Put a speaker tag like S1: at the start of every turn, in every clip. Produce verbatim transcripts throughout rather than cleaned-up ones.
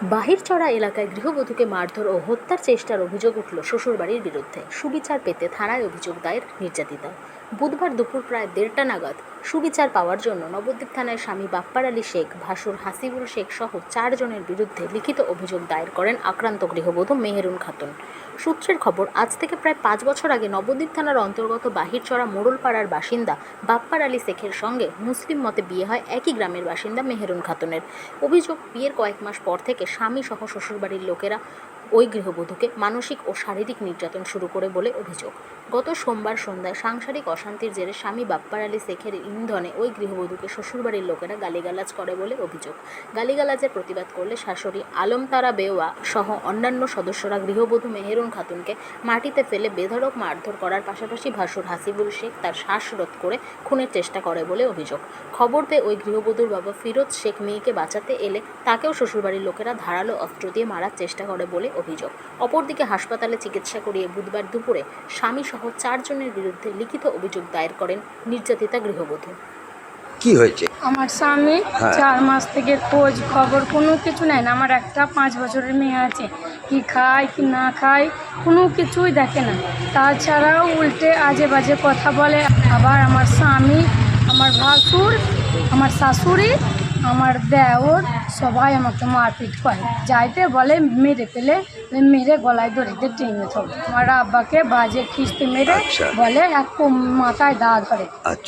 S1: বাহিরচড়া এলাকায় গৃহবধূকে মারধর ও হত্যার চেষ্টার অভিযোগ উঠল শ্বশুরবাড়ির বিরুদ্ধে। সুবিচার পেতে থানায় অভিযোগ দায়ের নির্যাতিতা। বুধবার দুপুর প্রায় দেড়টা নাগাদ সুবিচার পাওয়ার জন্য নবদ্বীপ থানায় স্বামী বাপ্পার আলী শেখ, ভাসুর হাসিবুল শেখ সহ চারজনের বিরুদ্ধে লিখিত অভিযোগ দায়ের করেন আক্রান্ত গৃহবধূ মেহেরুন খাতুন। সূত্রের খবর, আজ থেকে প্রায় পাঁচ বছর আগে নবদ্বীপ থানার অন্তর্গত বাহিরচড়া মোড়লপাড়ার বাসিন্দা বাপ্পার আলী শেখের সঙ্গে মুসলিম মতে বিয়ে হয় একই গ্রামের বাসিন্দা মেহেরুন খাতুনের। অভিযোগ, বিয়ের কয়েক মাস পর থেকে স্বামী সহ শ্বশুরবাড়ির লোকেরা ওই গৃহবধূকে মানসিক ও শারীরিক নির্যাতন শুরু করে বলে অভিযোগ। গত সোমবার সন্ধ্যায় সাংসারিক অশান্তির জেরে স্বামী বাপ্পার আলী শেখের ইন্ধনে ওই গৃহবধূকে শ্বশুরবাড়ির লোকেরা গালিগালাজ করে বলে অভিযোগ। গালিগালাজের প্রতিবাদ করলে শাশুড়ি আলমতারা বেওয়া সহ অন্যান্য সদস্যরা গৃহবধূ মেহেরুন খাতুনকে মাটিতে ফেলে বেধড়ক মারধর করার পাশাপাশি ভাসুর হাসিবুল শেখ তার শ্বাসরোধ করে খুনের চেষ্টা করে বলে অভিযোগ। খবর পেয়ে ওই গৃহবধূর বাবা ফিরোজ শেখ মেয়েকে বাঁচাতে এলে তাকেও শ্বশুরবাড়ির লোকেরা ধারালো অস্ত্র দিয়ে মারার চেষ্টা করে বলে অভিযোগ। অপরদিকে হাসপাতালে চিকিৎসা করিয়ে বুধবার দুপুরে স্বামী সহ চারজনের বিরুদ্ধে লিখিত অভিযোগ দায়ের করেন নির্যাতিতা গৃহবধূ।
S2: কি হয়েছে?
S3: আমার স্বামী চার মাস থেকে খোঁজ খবর কোনো কিছু নেয় না। আমার একটা পাঁচ বছরের মেয়ে আছে, কি খায় কি না খায় কোনো কিছুই দেখে না। তাছাড়াও উল্টে আজে বাজে কথা বলে। আবার আমার স্বামী, আমার ভাসুর, আমার শাশুড়ি, আমার দেওর সবাই আমাকে মারপিট করে। যাইতে বলে মেরে পেলে মেরে গলায় দড়িতে টেনে ধরে। আমার আব্বাকে বাজে খিস্তি মেরে বলে এক মাথায় দা ধরে,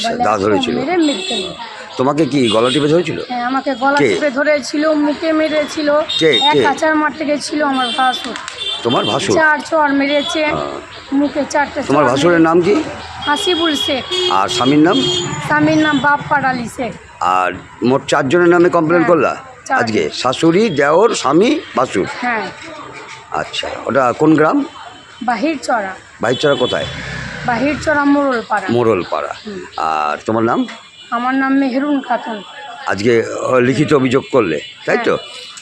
S3: মেরে মেরে ফেলবে।
S2: তোমাকে কি গলা টিপে ধরেছিল?
S3: হ্যাঁ, আমাকে গলা টিপে ধরেছিল, মুখে মেরেছিল, এক আচার মারতে গেছিল আমার ভাসুর।
S2: তোমার ভাসুর
S3: চার চর মেরেছে মুখে, চারটে।
S2: তোমার ভাসুরের নাম কি?
S3: হাসিবুল শেখ।
S2: আর স্বামীর নাম?
S3: স্বামীর নাম বাপ্পার আলী শেখ।
S2: আর মোট চারজনের নামে কমপ্লেন করলা আজকে? শাশুড়ি, দেওর, স্বামী, ভাসুর।
S3: হ্যাঁ।
S2: আচ্ছা, ওটা কোন গ্রাম?
S3: বাহিরচড়া।
S2: বাহিরচড়া কোথায়?
S3: বাহিরচড়া মোড়লপাড়া।
S2: মোড়লপাড়া। আর তোমার নাম?
S3: আমার নাম মেহেরুন খাতুন।
S2: আজকে লিখিত অভিযোগ করলে, তাই তো?